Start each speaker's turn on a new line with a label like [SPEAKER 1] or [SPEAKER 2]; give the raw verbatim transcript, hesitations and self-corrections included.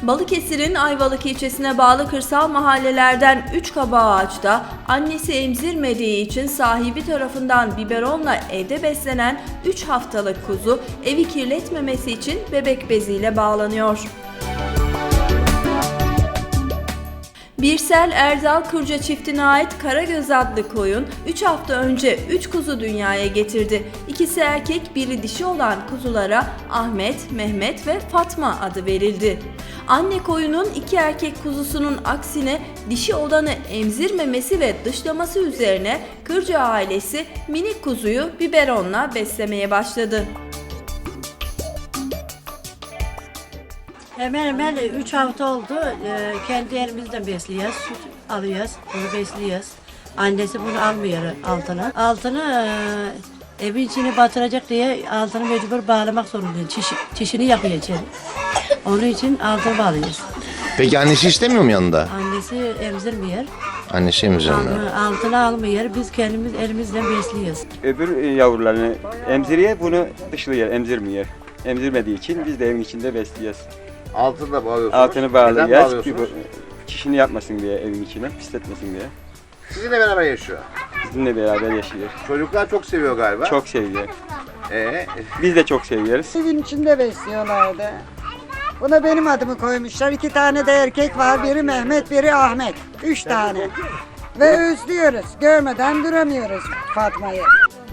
[SPEAKER 1] Balıkesir'in Ayvalık ilçesine bağlı kırsal mahallelerden üç Kabaağaç'ta annesi emzirmediği için sahibi tarafından biberonla evde beslenen üç haftalık kuzu evi kirletmemesi için bebek beziyle bağlanıyor. Birsel Erdal Kırca çiftine ait Karagöz adlı koyun üç hafta önce üç kuzu dünyaya getirdi. İkisi erkek, biri dişi olan kuzulara Ahmet, Mehmet ve Fatma adı verildi. Anne koyunun iki erkek kuzusunun aksine dişi olanı emzirmemesi ve dışlaması üzerine Kırca ailesi minik kuzuyu biberonla beslemeye başladı.
[SPEAKER 2] Hemen hemen üç hafta oldu. Ee, kendi elimizden besliyoruz. Süt alıyoruz. Bunu besliyoruz. Annesi bunu almıyor altına. Altını e, evin içine batıracak diye altını mecbur bağlamak zorundayız. Çiş, çişini yapıyor içeri. Onun için altını bağlıyoruz.
[SPEAKER 3] Peki annesi istemiyor mu yanında?
[SPEAKER 2] Annesi emzirmiyor.
[SPEAKER 3] Annesi emzirmiyor.
[SPEAKER 2] Altını, altını almıyor. Biz kendimiz elimizden besliyoruz.
[SPEAKER 4] Öbür yavrularını emziriyor, bunu dışlıyor, emzirmiyor. Emzirmediği için biz de evin içinde besliyoruz.
[SPEAKER 3] Altını da bağlıyorsunuz.
[SPEAKER 4] Altını
[SPEAKER 3] Neden
[SPEAKER 4] bağlıyoruz,
[SPEAKER 3] bağlıyorsunuz?
[SPEAKER 4] çişini yapmasın diye evin içine, pisletmesin diye.
[SPEAKER 3] Sizinle beraber yaşıyor.
[SPEAKER 4] Bizimle beraber yaşıyor.
[SPEAKER 3] Çocuklar çok seviyor galiba.
[SPEAKER 4] Çok seviyor.
[SPEAKER 3] Ee,
[SPEAKER 4] Biz de çok seviyoruz.
[SPEAKER 5] Evin içinde besliyorlardı. Buna benim adımı koymuşlar. İki tane de erkek var. Biri Mehmet, biri Ahmet. Üç tane. Ve özlüyoruz. Görmeden duramıyoruz Fatma'yı.